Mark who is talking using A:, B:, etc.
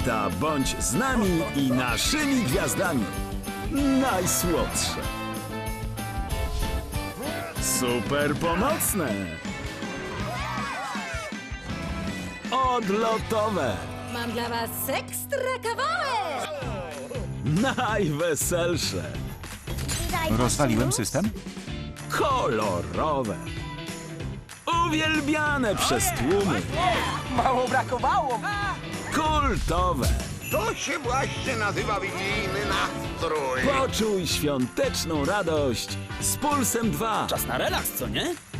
A: święta bądź z nami i naszymi gwiazdami. Najsłodsze. Super pomocne. Odlotowe.
B: Mam dla was ekstra kawałek!
A: Najweselsze.
C: Rozwaliłem system?
A: Kolorowe. Uwielbiane przez tłumy.
D: Mało brakowało!
A: Kultowe.
E: To się właśnie nazywa wigilijny nastrój.
A: Poczuj świąteczną radość z Pulsem 2.
F: Czas na relaks, co nie?